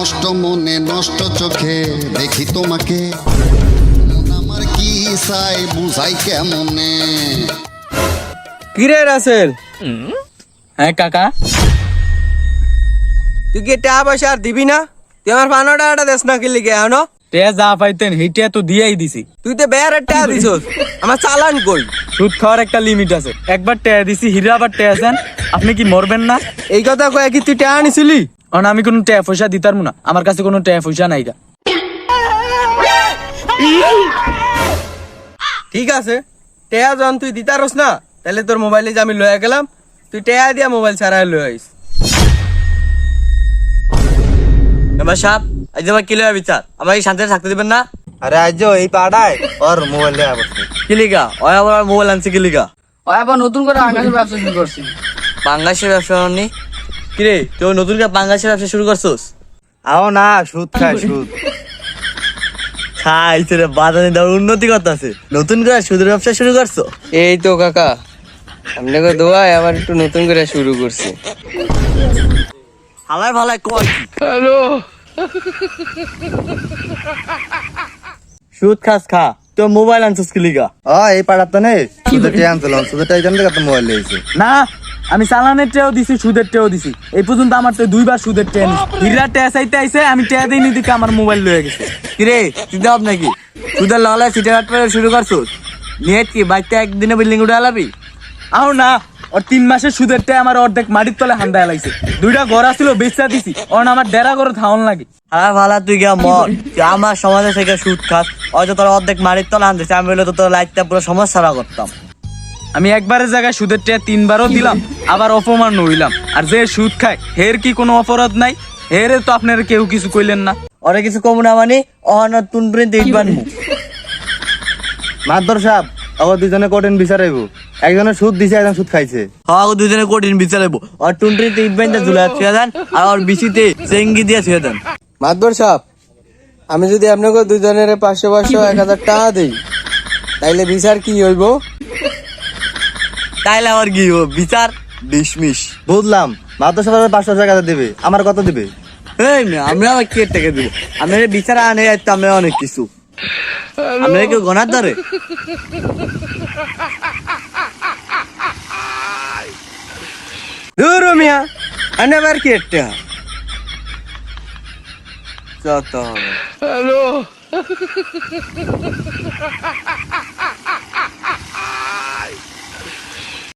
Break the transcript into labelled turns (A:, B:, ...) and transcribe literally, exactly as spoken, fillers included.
A: নষ্ট মনে নষ্ট চোখে দেখি তোমাকে, মন আমার কি চাই বুঝাই কেমনে।
B: কিরে রাসেল?
C: হ্যাঁ কাকা,
B: তুই কি টাকা পয়সা আর দিবি না? তুই আমার পানো টাকাটা দেশ না কিনলি গে হনো?
C: টে যা পাইতেন হেইটা তো দিয়েই দিছি।
B: তুই তো বেয়ার টাকা দিছস, আমার চালান কই?
C: সুদ খাওয়ার একটা লিমিট আছে, একবার টাকা দিছি হিরা আবার টাকা দেন, আপনি কি মরবেন না?
B: এই কথা কয়ে কি তুই টাকা নিছিলি?
C: কারণ আমি কোনো টাকা পয়সা দিতাম না, আমার কাছে কোনো টাকা পয়সা নাই গা।
B: ঠিক আছে, টাকা যখন তুই দিতারস না, তাহলে তোর মোবাইলে যে আমি লয়ে গেলাম, তুই টাকা দিয়া মোবাইল ছাড়াই লয়ে আইস। এবার সাপ আজ আমার কি লয়ে বিচার, আমাকে শান্তিতে থাকতে দিবেন না?
D: আরে আজ এই পাড়ায় ওর মোবাইল দেয়া বসছে।
B: কিলিকা ওই আবার মোবাইল আনছে কিলিকা?
E: ওই আবার নতুন করে আকাশের ব্যবসা শুরু করছি।
B: পাঙ্গাসের ব্যবসা নি কিরে, তুই নতুন করে পাঙ্গাসের ব্যবসা শুরু করছস?
D: আও না, সুদ খায় সুদ।
B: খাইছে রে, বাজারে দেওয়ার উন্নতি করতেছে, নতুন করে সুদের ব্যবসা শুরু করছো? এই তো কাকা, আপনাকে দোয়ায় আবার একটু নতুন করে শুরু করছি। হালাই ভালাই কয় কি?
E: হ্যালো,
B: সুদ খাস খা, তোর মোবাইল আনছিস কি লিগা?
D: ও এই পাড়ার তো নেই, সুদের টেয়া আনছিল, সুদের টেয়া এখান থেকে তো মোবাইল লিয়েছে।
C: না, আমি চালানের টেও দিছি, সুদের টেও দিছি, এই পর্যন্ত আমার তো দুইবার সুদের টেয়া নিছি। হিরা টেয়া চাইতে আইছে, আমি টেয়া দিইনি দিকে আমার মোবাইল লয়ে গেছে।
B: কিরে তুই দাব নাকি সুদের লালে সিটার হাট করে শুরু করছস? নেট কি বাইতে একদিনে বিল্ডিং উঠে আলাবি?
C: আও না, ওর তিন মাসের সুদের টেয়া আমার অর্ধেক মাটির তলে হান্দা লাইছে। দুইটা ঘর ছিল বেচা দিছি, ওর আমার ডেরা করে ধাওন লাগে।
B: হ্যাঁ ভালা তুই গিয়া মর, তুই আমার সমাজে থেকে সুদ খাস, হয়তো তোর অর্ধেক মারির তলা আনতেছে, আমি বললে তো তোর লাইটটা পুরো সমস্যা করতাম।
C: আমি একবারের জায়গায় সুদের টেয়া তিনবারও দিলাম, আবার অপমান হইলাম। আর যে সুদ খায় হের কি কোনো অপরাধ নাই? হেরে তো আপনারা কেউ কিছু কইলেন না।
B: ওরে কিছু কম না মানে অহন তুন প্রিন্ট দেখবান মু।
D: মাদর সাহেব আবার দুজনে কঠিন বিচার আইব, একজনের সুদ দিছে, একজন সুদ খাইছে।
B: হ্যাঁ দুজনে কঠিন বিচারাইবো, আর টুনটুনিতে ইটবাইনটা ঝুলা ছুঁয়ে দেন, আর ওর বিচিতে চেঙ্গি দিয়ে ছুঁয়ে দেন। মাদবর সাহেব, আমি যদি আপনাকে দুজনের পাঁচশো পাঁচশো এক হাজার টাকা দিই, তাইলে বিচার কি হইব? তাইলে আবার কি হইব? বিচার ডিসমিস।
D: বুঝলাম, মাদর সাহেব পাঁচশো টাকা দিবে, আমার কত দিবে?
B: এই মেয়ে, আমরা আবার কে টাকা দিব? আমরা বিচার আনে যাইতে আমরা অনেক কিছু, আমরা কেউ গনার ধরে। দূর মিয়া, আনে আবার কি একটা যত হবে।
E: হ্যালো।